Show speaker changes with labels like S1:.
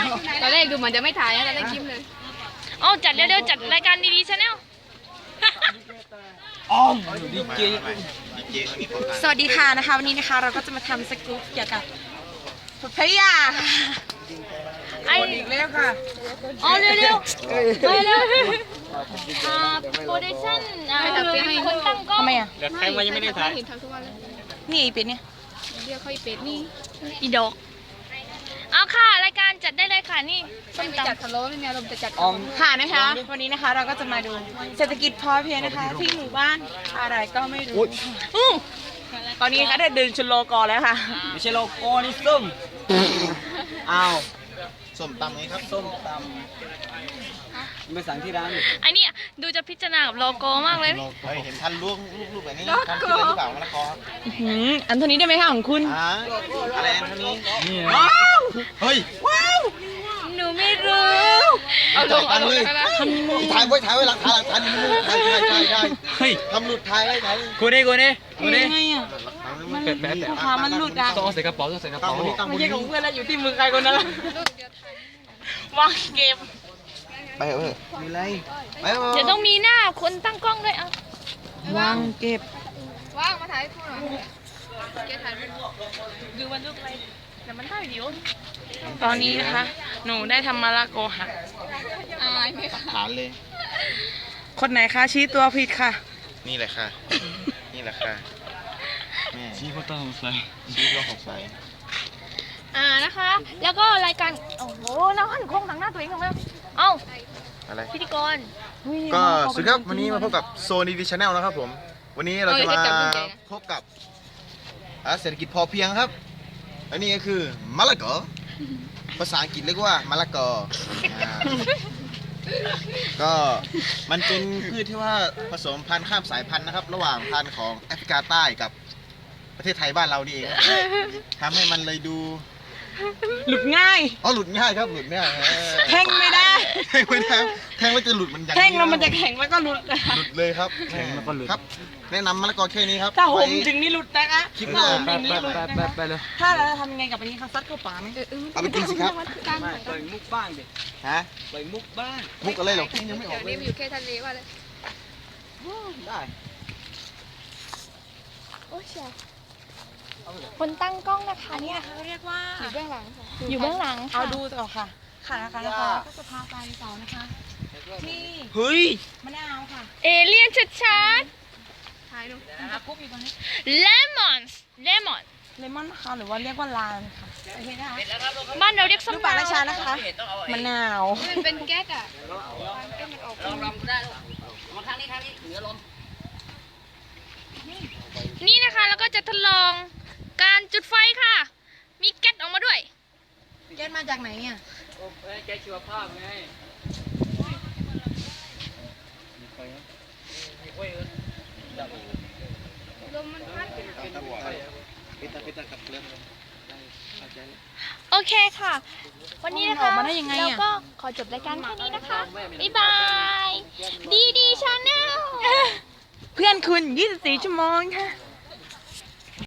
S1: ตอนแรกดูเหมือนจะไม่ถ่ายนะตอนแรกยิ้มเลย
S2: เอาจัดเร็วๆจัดรายการดีๆชาแนล
S3: ดีเจ
S4: สวัสดีค่ะนะคะวันนี้นะคะเราก็จะมาทำสกู๊ปเกี่ยวกับพยา
S2: ไอ้
S4: อีกแล้วค่ะ
S2: เอาเร็วๆไปเร็วโปรดักชั่นคือคนตั้งกล้อง
S4: ทำไมอ่ะ
S3: ใครมายังไม่ได้ถ่าย
S1: เห็นทำทุกวันเลย
S4: นี่อีเป็ดเนี่ย
S1: เรียกเขาอีเป็ดนี่
S2: อีดอกเอาค่ะรายการจัดได้เลยค่ะนี่
S1: ไม่มีจัดทะโล้เลยเนี่ยเราจะจัด
S4: ค่ะนะคะ วันนี้นะคะเราก็จะมาดูเศรษฐกิจพอเพียงนะคะ ที่หมู่บ้านอะไรก็ไม่รู้ตอนนี้นะคะได้เดินชนโลกอแล้วค่ะ
S3: ไม่ใช่โลโก้นี่ส้มอ้าว
S5: ส้มตำไงครับ
S3: ส้มตำไปสั่งที่ร้าน
S2: ไอ้นี่ดูจะพิจารณากับโลโก้มากเลย
S5: เฮ้ยเห็นท่านลูกแบบนี้ทำคิดอะไรหรือเปล่ามะละกอครับ
S4: อันเท่านี้ได้ไหมคะของคุณ
S5: อะไรอันเท่านี้
S3: นี่
S5: เฮ้ย
S2: หนูไม่รู้
S1: เอาลงเอาลง
S5: ถ่ายไว้หลักฐานนี่มันถ่ายได้
S3: เฮ้ย
S5: ทำหลุดถ่ายไว้ถ่าย
S3: กูนี่
S4: ยังไงอ่ะ
S5: มัน
S4: พามันหลุดอ่ะ
S3: ต้องเอาใส่กระเป๋าต้องใส่กระเป๋า
S4: ไม่ใช่ของเพื่อนแล้วอยู่ที่มือใครคนนั้นละวางเกม
S5: ไปเถอะมีอะไรไป
S2: เดี๋ยวต้องมีหน้าคนตั้งกล้องด้วยเอา
S4: วางเก็บ
S1: ว่างมาถ่ายคู่หน่อยเกถ่ายรูป
S2: ดูมันรูปอะไรแต่มันถ่ายวิว
S4: ตอนนี้นะคะ หนูได้ทำมะละกอหัก
S1: อายไหมคะ
S5: ฐานเลย
S4: คนไหนคะชี้ตัวผิดค่ะ
S5: นี่แหละค่ะนี่แหละค่ะแม่
S3: ชี้เขาต้องใส่
S5: ชี้ก็สงสัย
S2: นะคะ แล้วก็รายการโอ้โหน้าหันโค้งหนังหน้าตัวเองทำไมเอ้า
S5: อะไร
S2: พิธีกร
S5: ก็สวัสดีครับวันนี้มาพบกับโซนีดีชาแนลนะครับผมวันนี้เราจะมาพบกับเศรษฐกิจพอเพียงครับอันนี้ก็คือมะละกอภาษาอังกฤษเรียกว่ามะละกอก็มันเป็นพืชที่ว่าผสมพันธุ์ข้ามสายพันธุ์นะครับ ระหว่างพันธุ์ของแอฟริกาใต้กับประเทศไทยบ้านเรานี่เองทำให้มันเลยดู
S4: หลุดง่าย
S5: หลุดง่ายครับหลุดง่าย
S4: แท่งไม่ได้
S5: แทงไม่ได้แทงแล้วจะหลุดมันอย่าง
S4: แท่งแล้วมันจะแข็งแล้วก็หลุด
S5: หลุดเลยครับครับ แนะนำมะละกอแค่นี้ครับ
S4: ถ้าห่ม
S5: ไว้
S4: ถึงนี่หลุดนะคะ
S5: คลิปหน้า
S4: ถ้าห่มถึงนี่หลุดนะคะ
S3: ไปเลย
S4: ถ้าเราทำยังไงกับอันนี้คะซัดเข้าปากไหม
S5: เอาไปกินสิครับ
S1: การ
S3: ไม่ปล่อยมุกบ้างดิ
S5: ฮะ
S3: ปล่อยมุกบ้าง
S5: มุกอะไรหรอกินยังไม่ออก
S1: เดี๋ยว
S5: เล
S1: นี้
S5: ย
S1: มันอยู่แค่ทะเลว่าเลย
S5: ได้
S2: โอ้ยเชียวคนตั้งกล้องนะคะเนี่ย
S4: เขาเรียกว่า
S1: อยู่เบื้องหลังค่ะ
S2: อยู่เบื้องหลัง
S4: เอา
S2: ค่ะ
S4: ดูต่อค่ะ ค่ะนะคะก็จะพาไปต่อนะคะ ที่
S3: เฮ้ย
S4: มะนาวค่ะ
S2: เอเลี่ยนชัด
S1: ถ่ายลง
S4: ตะกุบอยู่ตรงนี้
S2: ๆเลมอน
S4: เลมอนนะคะหรือว่าเรียกว่าลานค่ะโอเคนะคะ
S2: บ้านเราเรียกส้ม
S4: ลูกปลาราชานะคะมะนาว
S1: มันเป็นแก๊สอ่ะแก๊สมันออก
S2: นี่นะคะแล้วก็จะทดลองการจุดไฟค่ะ มีแก๊สออกมาด้วย
S4: แก๊สมาจากไหนอ่ะ
S3: แกชีวภาพไง
S1: ลมมันพัด
S2: โอเคค่ะ วันนี้นะคะ
S4: ออกมาได้ยังไงอะ
S2: แล้วก็ขอจบรายการแค่นี้นะคะ บ๊ายบาย ดีชาแนล
S4: เพื่อนคุณ 24 ชั่วโมงค่ะ